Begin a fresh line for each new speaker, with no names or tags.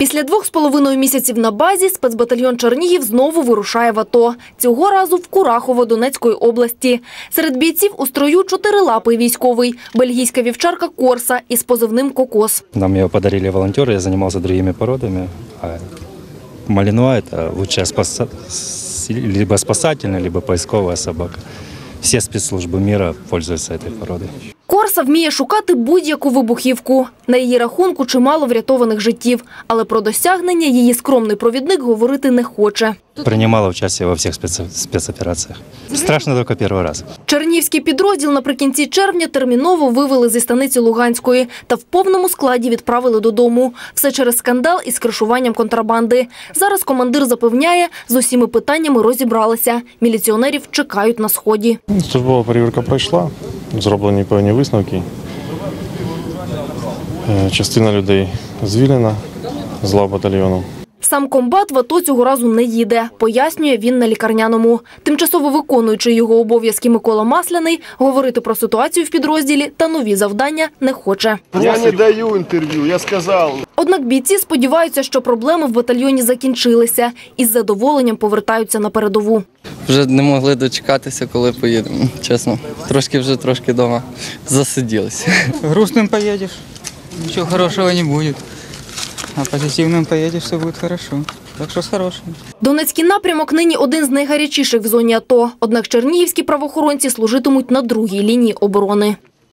Після 2,5 місяців на базі спецбатальйон «Чернігів» знову вирушає в АТО. Цього разу в Курахово Донецької області. Серед бійців у строю чотирилапий військовий – бельгійська вівчарка «Корса» із позивним «Кокос».
Нам його подарили волонтери, я займався іншими породами. Малінуа – це лучшая либо спасательная, либо поисковая собака. Всі спецслужби мира пользуються цією породою.
«Корса» вміє шукати будь-яку вибухівку. На її рахунку чимало врятованих життів. Але про досягнення її скромний провідник говорити не хоче.
Приймала участь во всіх спецопераціях. Страшно тільки перший раз.
Чернігівський підрозділ наприкінці червня терміново вивели зі станиці Луганської та в повному складі відправили додому. Все через скандал із кришуванням контрабанди. Зараз командир запевняє, з усіма питаннями розібралися. Міліціонерів чекають на сході.
Службова перевірка пройшла, зроблені певні висновки. Частина людей звільнена з лав батальйону.
Сам комбат в АТО цього разу не їде, пояснює він на лікарняному. Тимчасово виконуючий його обов'язки Микола Масляний говорити про ситуацію в підрозділі та нові завдання не хоче.
Я не даю інтерв'ю, я сказав.
Однак бійці сподіваються, що проблеми в батальйоні закінчилися і з задоволенням повертаються на передову.
Вже не могли дочекатися, коли поїдемо, чесно. Трошки вдома засиділися.
Грустным поедешь, ничего хорошего не будет. А позитивным поедешь, все будет хорошо. Так що з хорошим.
Донецький напрямок нині один з найгарячіших в зоні АТО. Однак чернігівські правоохоронці служитимуть на другій лінії оборони.